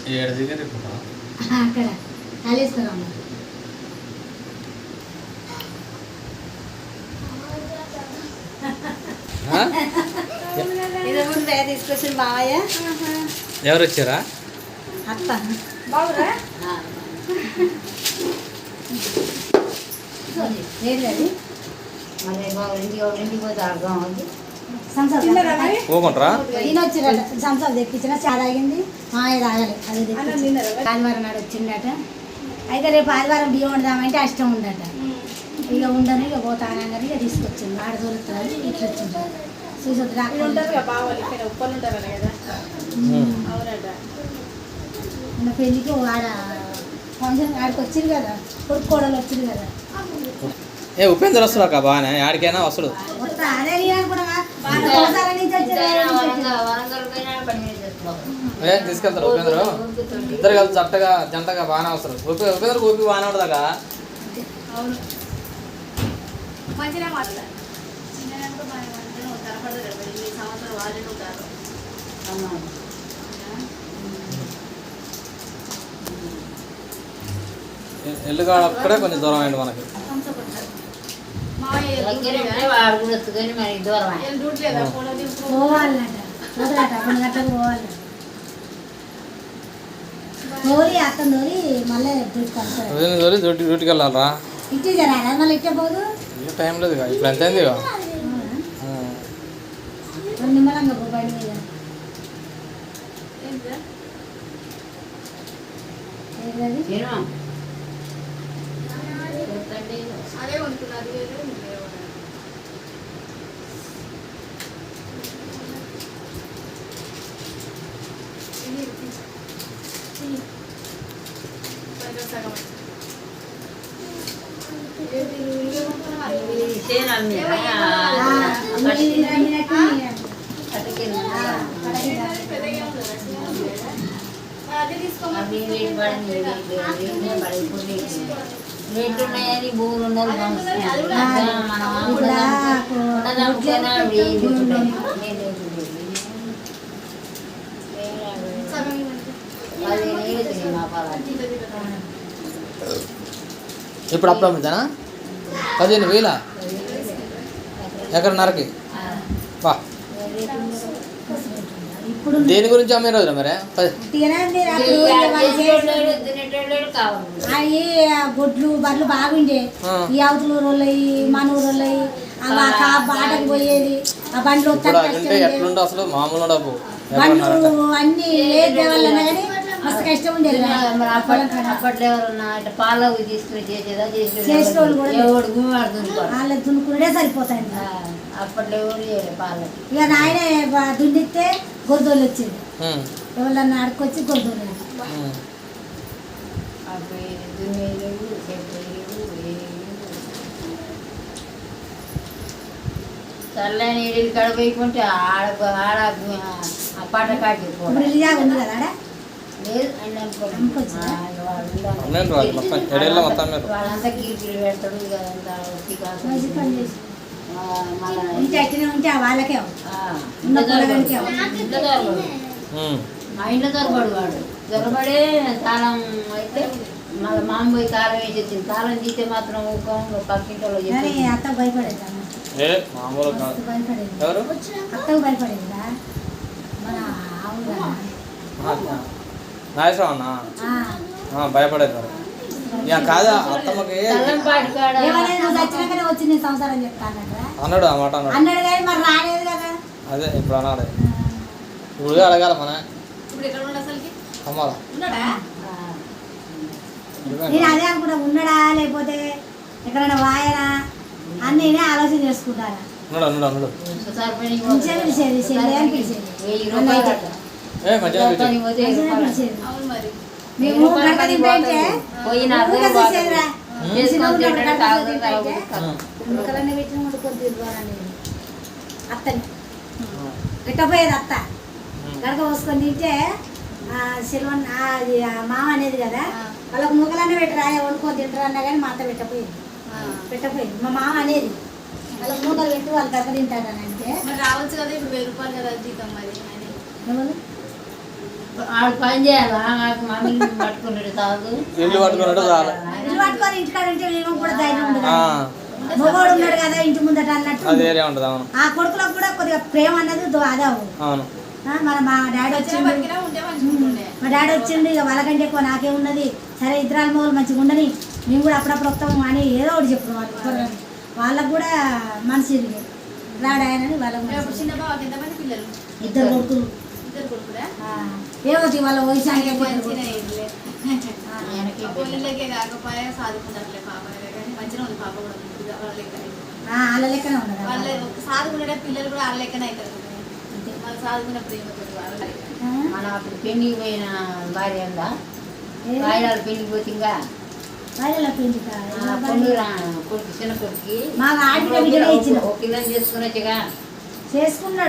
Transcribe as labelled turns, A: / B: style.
A: అక్కడ కాళేశ్వరం తీసుకొచ్చింది బావయ్య.
B: ఎవరు వచ్చారా?
A: అత్త బాగురా లేదు మళ్ళీ బాబు ఇంటికి పోతే అర్థం అవుతుంది. ఈయన వచ్చిరట సంసారం తెప్పించిన చా తాగింది మాయ తాగలే అది ఆదివారం నాడు వచ్చిండట. అయితే రేపు ఆదివారం బియ్యం వండుదామంటే అష్టం ఉండట. ఇక ఉండని ఇక పోతానని ఇక తీసుకొచ్చింది. ఆడ దొరుకుతుంది ఇట్లా వచ్చింది. పెళ్ళికి ఆడ ఫంక్షన్ ఆడికి వచ్చింది కదా, కొడుకు కోడలు వచ్చింది కదా.
B: ఉపేంద్ర వస్తున్నా బాగానే ఆడికైనా వస్తుడు. తీసుకెళ్తారు ఉపేంద్ర, ఇద్దరు కలిసి జంటగా బాగానే వస్తారు. ఉపేంద్ర ఊపి బాగానే ఉండదాకా ఎల్లుగాడు అక్కడే కొంచెం దూరం అయింది మనకి. డ్యూటీకి వెళ్ళాలరా? టైం లేదు ఇప్పుడు ఎంత అయింది.
A: బోరు ఉన్నది
B: ఇప్పుడు అప్పుడు అమ్ముతానా? 15,000 ఎకరన్నరకి. వా దేని గురించి అమ్మే రోజున మరి
A: గొడ్లు బర్రెలు బాగుండే. ఈ అవతల ఊరోళ్ళయి మన ఊరోళ్ళయి బాటకు పోయేది. ఆ బండ్లు
B: ఎట్లుండే అసలు మామూలు డబ్బు
A: బండ్లు అన్ని దేవాలన్నా కానీ మస్తు కష్టం ఉండేది.
C: అప్పట్లో ఎవరన్నా పాల తీసుకుని చేసేదా
A: చేసేవాళ్ళు కూడా వాళ్ళ దున్నుకునే సరిపోతాయి.
C: అప్పట్లో ఎవరు చేయలేదు పాలు.
A: ఇక నాయనే దున్నిస్తే గొర్రెలు వచ్చింది. ఎవరన్నా ఆడుకొచ్చి గొర్రెలు
C: చల్లని నీళ్ళు కడపోయికుంటే ఆడ పాట కాటి
A: ఉంది కదా ఆడ
C: వాళ్ళంతా కీర్తులు పెడతాడు
A: ఉంటే వాళ్ళకే
C: మా ఇంట్లో దొరబడు వాడు దొరబడే తాళం అయితే మళ్ళీ మామ పోయి తాళం వేసి వచ్చింది. తాళం తీస్తే మాత్రం పక్కింట్లో
A: అత్త భయపడేది. అత్తకు భయపడేదా మన
B: భయపడేది మరి. కాదా అత్తమ్మకి
A: వచ్చినాకనే వచ్చి నేను సంసారం చెప్తాను
B: అన్నాడు. ఆ మాట
A: అన్నాడు కానీ మరి రాలేదు కదా.
B: అదే ఇప్పుడు అన్నాడు. ఇప్పుడు అడగాల మన అమ్మాలా.
A: నేను అదే అనుకుంటా, ఉన్నాడా లేకపోతే ఎక్కడైనా వాయనా అని నేనే ఆలోచన చేసుకుంటాను. మేము అత్తని పెట్టపోయేది. అత్త గడక పోసుకొని తింటే సెలవన్ మామ అనేది కదా, వాళ్ళకి ముక్కలన్నీ పెట్టరా వండుకొని తింటారు అన్నా కానీ మా అత్త పెట్టపోయింది. మా మామ అనేది వాళ్ళకి మూటలు పెట్టి వాళ్ళు గడక తింటారని అంటే
D: రావచ్చు కదా. ఇప్పుడు 1000 రూపాయలు కదా జీతం. మరి
A: ఎవరు
C: ఆడు పని చేయాలా నాకు మమ్మల్ని పట్టుకున్నాడు తాగు
B: ఇల్లు పట్టుకున్నట్టు చాలా
A: ఇల్లు పట్టుకొని ఇంటికాడ ఉంటే వీళ్ళకి కూడా ధైర్యం ఉండదు మొగోడు ఉన్నాడు కదా ఇంటి ముందట అన్నట్టు
B: అది వేరే ఉంటుంది. అవును
A: ఆ కొడుకులకు కూడా కొద్దిగా ప్రేమ అన్నది అదే
B: అవును.
A: మా డాడీ వచ్చిండు మా డాడీ వచ్చిండు ఇక వాళ్ళకంటే ఎక్కువ నాకేమున్నది సరే ఇద్దరాల మొగలు మంచిగా ఉండని మేము కూడా అప్పుడప్పుడు వస్తాము అని ఏదో ఒకటి చెప్పారు వాళ్ళు వాళ్ళకు కూడా మనసు ఇరిగి రాడాయనని వాళ్ళకు ఇద్దరు కొడుకులు ఏమవుతుంది వాళ్ళ వయసు వాళ్ళ లెక్కనే ఉండదు
D: సాధుకునే పిల్లలు కూడా వాళ్ళ లెక్కనే అవుతారు. వాళ్ళు సాధుకున్న ప్రేమతో
C: మన అప్పుడు పెళ్లికి పోయిన భార్య ఉందా వాయిదాలు పెళ్లికి పోతే ఇంకా
A: వాళ్ళ పెంచుతా
C: పొందూరా కొడుకు చిన్న కొడుకు
A: మాకు ఆడిన బిడ్డనే ఇచ్చిన
C: ఒక పిల్లని చేసుకుని వచ్చగా
A: చేసుకున్నాడు.